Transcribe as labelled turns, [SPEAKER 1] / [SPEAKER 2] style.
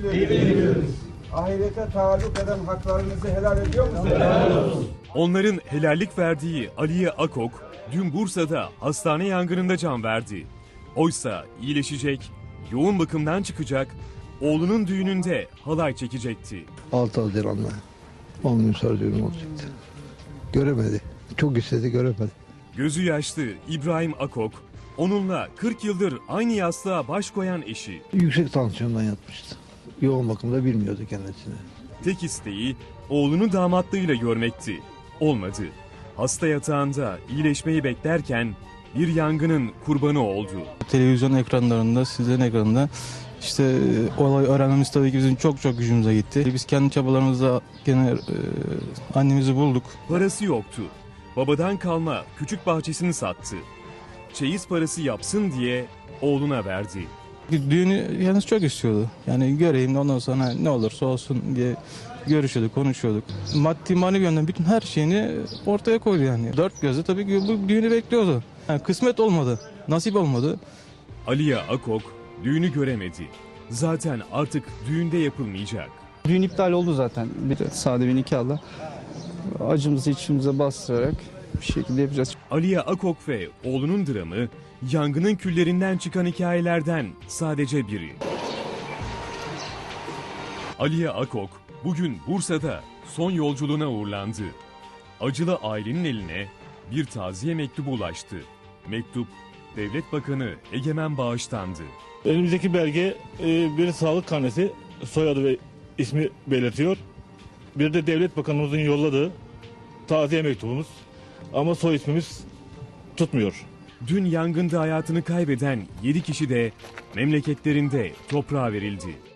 [SPEAKER 1] ediyoruz. Ahirete taalluk eden haklarınızı helal ediyor musunuz? Helal olsun.
[SPEAKER 2] Onların helallik verdiği Aliye Akok dün Bursa'da hastane yangınında can verdi. Oysa iyileşecek, yoğun bakımdan çıkacak, oğlunun düğününde halay çekecekti.
[SPEAKER 3] 6 Haziran'da 10 gün sonra düğün olacaktı. Göremedi. Çok istedi, göremedi.
[SPEAKER 2] Gözü yaşlı İbrahim Akok, onunla 40 yıldır aynı yastığa baş koyan eşi.
[SPEAKER 3] Yüksek tansiyondan yatmıştı. Yoğun bakımda bilmiyordu kendisini.
[SPEAKER 2] Tek isteği oğlunu damatlığıyla görmekti. Olmadı. Hasta yatağında iyileşmeyi beklerken bir yangının kurbanı oldu.
[SPEAKER 4] Televizyon ekranlarında, sizlerin ekranında işte olay öğrenmemiz tabii ki bizim çok gücümüze gitti. Biz kendi çabalarımızla gene annemizi bulduk.
[SPEAKER 2] Parası yoktu. Babadan kalma küçük bahçesini sattı. Çeyiz parası yapsın diye oğluna verdi.
[SPEAKER 4] Düğünü yalnız çok istiyordu. Yani göreyim de ondan sonra ne olursa olsun diye görüşüyorduk, konuşuyorduk. Maddi manevi yönden bütün her şeyini ortaya koydu yani. Dört gözle tabii ki bu düğünü bekliyordu. Yani kısmet olmadı, nasip olmadı.
[SPEAKER 2] Aliye Akok düğünü göremedi. Zaten artık düğünde yapılmayacak.
[SPEAKER 5] Düğün iptal oldu zaten. Bir de sade bir nikahla acımızı içimize bastırarak bir şekilde yapacağız.
[SPEAKER 2] Aliye Akok ve oğlunun dramı yangının küllerinden çıkan hikayelerden sadece biri. Aliye Akok bugün Bursa'da son yolculuğuna uğurlandı. Acılı ailenin eline bir taziye mektubu ulaştı. Mektup Devlet Bakanı Egemen Bağış'tandı.
[SPEAKER 6] Elimizdeki belge bir sağlık karnesi, soyadı ve ismi belirtiyor. Bir de Devlet Bakanımızın yolladığı taziye mektubumuz. Ama soy ismimiz tutmuyor.
[SPEAKER 2] Dün yangında hayatını kaybeden 7 kişi de memleketlerinde toprağa verildi.